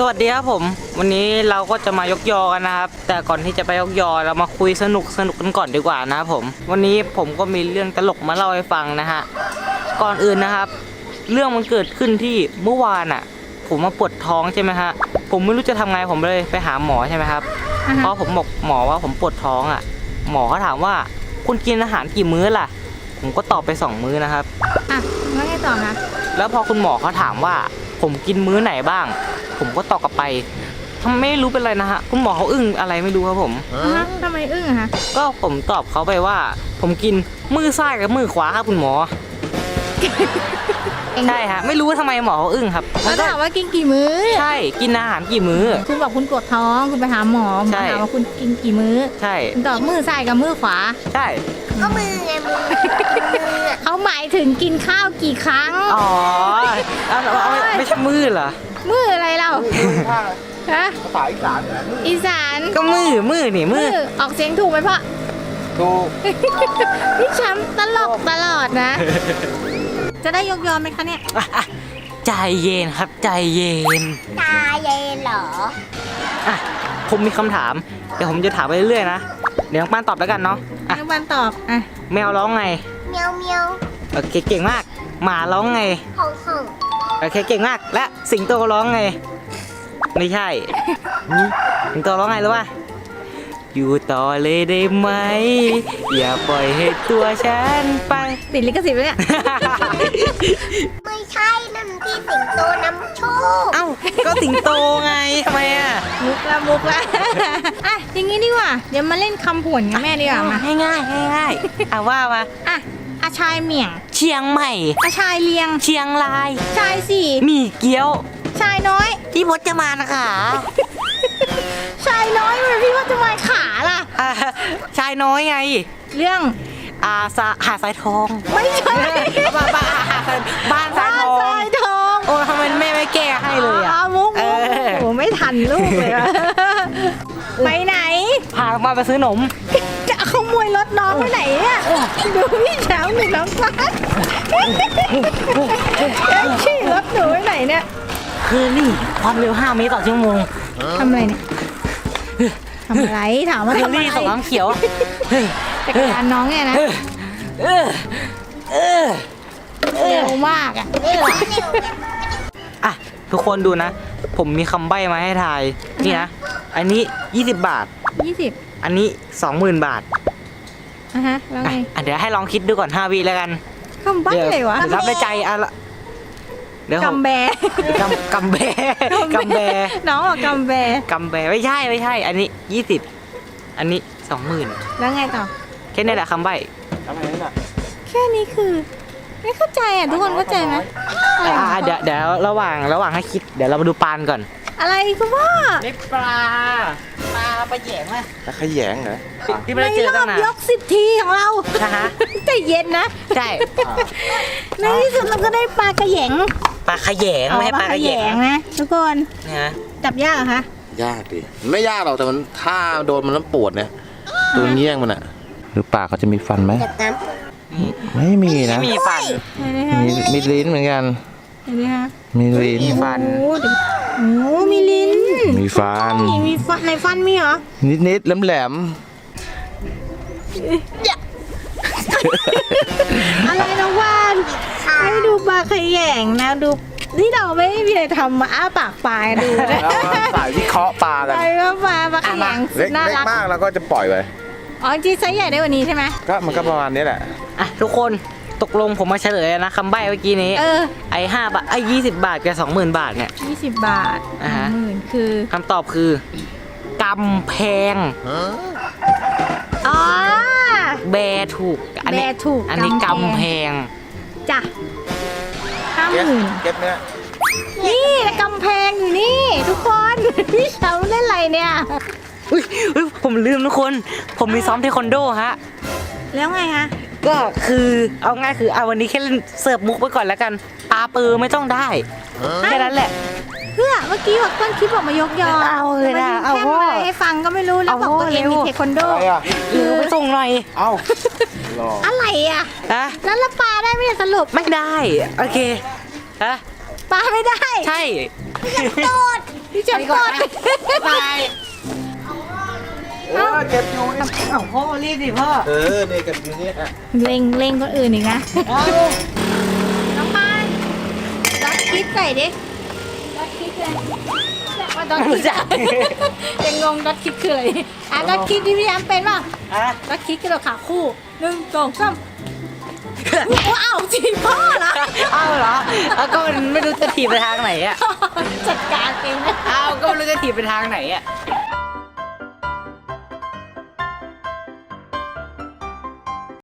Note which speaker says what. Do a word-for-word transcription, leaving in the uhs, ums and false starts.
Speaker 1: วัสดีครับผมวันนี้เราก็จะมายกยอกันนะครับแต่ก่อนที่จะไปยกยอเรามาคุยสนุกสนุกกันก่อนดีกว่านะครับผมวันนี้ผมก็มีเรื่องตลกมาเล่าให้ฟังนะฮะก่อนอื่นนะครับเรื่องมันเกิดขึ้นที่เมื่อวานอ่ะผมมาปวดท้องใช่ไหมฮะผมไม่รู้จะทำไงผมเลยไปหาหมอใช่ไหมครับ uh-huh. เพราะผมบอกหมอว่าผมปวดท้องอ่ะหมอเขาถามว่าคุณกินอาหารกี่มื้อล่ะผมก็ตอบไปสองมื้อนะครับ
Speaker 2: อ่ะแล้วไงต่อนะ
Speaker 1: แล้วพอคุณหมอเขาถามว่าผมกินมื้อไหนบ้างผมก็ตอบกลับไปทำไม่รู้เป็นไรนะฮะคุณหมอเขาอึ้งอะไรไม่รู้ครับผม
Speaker 2: ทำไมอึ้งอะฮะ
Speaker 1: ก็ผมตอบเขาไปว่าผมกินมือซ้ายกับมือขวาครับคุณหมอใช่ฮะไม่รู้ว่าทำไมหมอเขาอึ้งครับ
Speaker 2: แล้วถามว่ากินกี่มื้อ
Speaker 1: ใช่กินอาหารกี่มื้อ
Speaker 2: คุณบอกคุณปวดท้องคุณไปหาหมอหมอถามว่าคุณกินกี่มื้อ
Speaker 1: ใช่
Speaker 2: ตอบมือซ้ายกับมือขวา
Speaker 1: ใช่
Speaker 2: ก็มือไงมือเขาหมายถึงกินข้าวกี่ครั้ง
Speaker 1: อ๋อไม่ใช่มือเหรอ
Speaker 2: มืออะไรเราฮะ
Speaker 3: ภาษาอีสาน
Speaker 2: อีสาน
Speaker 1: ก็มือมือนี่มือ
Speaker 2: ออกเสียงถูกไหมพ่อ
Speaker 3: ถูก
Speaker 2: พี่แชมป์ตลกตลอดนะจะได้ยกยอมไหมคะเนี่ย
Speaker 1: ใจเย็นครับใจเย็น
Speaker 2: ใจเย็นเหรอ
Speaker 1: อ่ะผมมีคำถามเดี๋ยวผมจะถามไปเรื่อยๆนะเดี๋ยวน้องปานตอบแล้วกันเนาะ
Speaker 2: น้องปานตอบอ่ะ
Speaker 1: แมวร้องไง
Speaker 2: เมียวเมียว
Speaker 1: โอเคเก่งมากหมาร้องไง
Speaker 2: ฮ่องฮ่อง
Speaker 1: โอเคเก่งมากและสิงโตร้องไงไม่ใช่สิงโตร้องไงรู้ป่ะอยู่ต่อเลยได้ไหมอย่าปล่อยให้ตัวฉันไป
Speaker 2: ติดลิขสิทธิ์ไหมเนี่ยไม่ใช่นั่นที่สิงโตนำโชค
Speaker 1: เอ้าก็สิงโตไงทำไมอ่ะ
Speaker 2: มุกละมุกละอ่ะอย่างงี้ดีกว่าเดี๋ยวมาเล่นคำผวนกันแม่ดีกว่ามา
Speaker 1: ง่ายง่ายง่ายอ่ะว่ามา
Speaker 2: อ่ะอาชายเหมี่ยง
Speaker 1: เชียงใหม่
Speaker 2: อาชายเลียง
Speaker 1: เชียงราย
Speaker 2: ชายสี่
Speaker 1: มีเกี๊ยว
Speaker 2: ชายน้อย
Speaker 1: พี่พจน์จะมานะคะ
Speaker 2: ชายน้อยมันพี่ว่าจะมาขาล่ะ
Speaker 1: ชายน้อยไง
Speaker 2: เรื่อง
Speaker 1: อาสาหาสายทอง
Speaker 2: ไม่ใช่
Speaker 1: บ้านบ้านบ้านสายทอง
Speaker 2: สายทอง
Speaker 1: โอ้ทำไมแม่ไม่แก้ให้เลยอ่ะ
Speaker 2: มุกมุกโอ้ไม่ทันลูกเลยไปไหน
Speaker 1: พามาไปซื้อขนม
Speaker 2: จะขโมยรถน้องไปไหนเนี่ยดูพี่เช้าหนึ่งน้องฟ้าขี่รถหนูไปไหนเนี่ย
Speaker 1: คือนี่ความเร็วห้าเมตรต่อชั่วโมง
Speaker 2: ทำอะไรเนี่ยทำอะไรถามว่าทำอะไร
Speaker 1: สองน้ำเขียว
Speaker 2: จักรยานน้องเนี่ยนะเร็วมากอ่ะ
Speaker 1: อ่ะทุกคนดูนะผมมีคำใบ้มาให้ทายนี่นะอันนี้ยี่สิบบาท
Speaker 2: ยี่สิบ
Speaker 1: อันนี้สองหมื่นบาท
Speaker 2: อ่ะฮะแล้วไง
Speaker 1: เดี๋ยวให้ลองคิดดูก่อนห้าวิแล้วกัน
Speaker 2: คำใบ้เลยวะ
Speaker 1: รับในใจอ่ะละ
Speaker 2: เดี๋ยวกำแบ
Speaker 1: กำกำแบกำแบ
Speaker 2: น้องบอกกำแบ
Speaker 1: กำแบไม่ใช่ไม่ใช่อันนี้ยี่สิบอันนี้สองหมื่น
Speaker 2: แล้วไงต่อ
Speaker 1: แค่นี้แหละคำใบ้
Speaker 2: แค่นี้คือไม่เข้าใจอ่ะทุกคนเข้าใจไหม
Speaker 1: อ่าเดี๋ยวเดี๋ยวระหว่างระหว่างให้คิดเดี๋ยวเรามาดูปานก่อน
Speaker 2: อะไรคุณพ่อ
Speaker 1: นี่ปลาปลาปลาแยงไหม
Speaker 3: ปลาขยงเหรอ
Speaker 1: ที่ไม่ได้เจอตั้งนาน
Speaker 2: ยกสิบทีของเราใจเย็นนะ
Speaker 1: ใช่
Speaker 2: ในที่สุดเราก็ได้ปลากระแยง
Speaker 1: ปลาขยงไม่ใช่ปลากระแยง
Speaker 2: นะทุกคน
Speaker 1: นะ
Speaker 2: จับยากเหรอคะ
Speaker 3: ยากดิไม่ยากหรอกแต่มันถ้าโดนมันแล้วปวดเนี่ยตัวเงี้ยงมันอะหรือปากเขาจะมีฟันไหมไม่มีนะ
Speaker 1: ไม่มีฟัน
Speaker 3: มีมีลิ้นเหมือนกันมีลิ้น
Speaker 1: มีฟัน
Speaker 2: โอ้มีลิ้น
Speaker 3: มีฟัน
Speaker 2: มีฟันในฟันมีเหรอ
Speaker 3: นิดนิดแหลมแหลม
Speaker 2: อะไรน้องวานให้ดูปลาขยงนะดูนี่เราไม่มีอะไรทำมาอ้าปากปลาดูนะ
Speaker 3: สายวิเคราะห์ปลากัน
Speaker 2: ใช่ว่าปลาปลาขยง
Speaker 3: น่ารักมากแล้วก็จะปล่อยไป
Speaker 2: อ๋อจริงไซส์ใหญ่ได้กว่านี้ใช่ไหม
Speaker 3: ก็มันก็ประมาณนี้แหละ
Speaker 1: อ่ะทุกคนตกลงผมมาเฉลยนะคำใบ้เมื่อกี้นี้
Speaker 2: เออ
Speaker 1: ไอ้ห้าบาทไอ้ยี่สิบบาทกับสองหมื่นบาทเนี่ย
Speaker 2: ยี่สิบบาท
Speaker 1: อ่าฮะ
Speaker 2: หมื่นคือ
Speaker 1: คำตอบคือกำแพง
Speaker 2: อ๋อ
Speaker 1: แบถูก
Speaker 2: อันนี้ถูก
Speaker 1: อันนี้กำแพง
Speaker 2: จ้ะห้าหมื่น
Speaker 3: เก็บเนี่ย
Speaker 2: นี่กำแพงอยู่นี่ทุกคนพี่เช้าเล่นอะไรเนี่ย
Speaker 1: อุ้ยผมลืมทุกคนผมมีซ้อมเทควันโดฮะ
Speaker 2: แล้วไงฮะ
Speaker 1: ก็คือเอาง่ายคือเอาวันนี้แค่เล่นเสิร์ฟมุกไปก่อนแล้วกันปลาปือไม่ต้องได้แค่นั้นแหละ
Speaker 2: เพื่อเมื่อกี้บอกต้นคลิปบอกมายกยอ
Speaker 1: เอาเลยนะเอา
Speaker 2: พ่อให้ฟังก็ไม่รู้แล้วบอกตัวเองมีเทควันโด
Speaker 1: คือไปส่งหน่อย
Speaker 3: เอา
Speaker 2: อะไรอ่ะแล้วละปลาได้ไม่ได้สรุป
Speaker 1: ไม่ได้โอเคฮะ
Speaker 2: ปลาไม่ได้
Speaker 1: ใช่
Speaker 2: โดดพี่แชจะปลด
Speaker 1: ไป
Speaker 3: เออเก็บอยู่นี่
Speaker 1: เอ้าพ่อรีบดิพ่อ
Speaker 3: เออเนี่ยเก็บอยู่เนี่ย
Speaker 2: เล็งเล็งคนอื่นอีกนะน้องปานดอทคิดใส่ดิดอทคิดเลยว่าดอทคิดยังงงดอทคิดคืออะไรอ่ะดอทคิดที่พี่แอมเป็นป่ะ
Speaker 1: อ่ะ
Speaker 2: ดอทคิดกระโดดขาคู่หนึ่งสองสามว้าวจีพ่อเหรอ
Speaker 1: เอาเหรอเอาก็มันไม่รู้จะถีบไปทางไหนอ่ะ
Speaker 2: จัดการเองนะ
Speaker 1: เอาก็ไม่รู้จะถีบไปทางไหนอ่ะ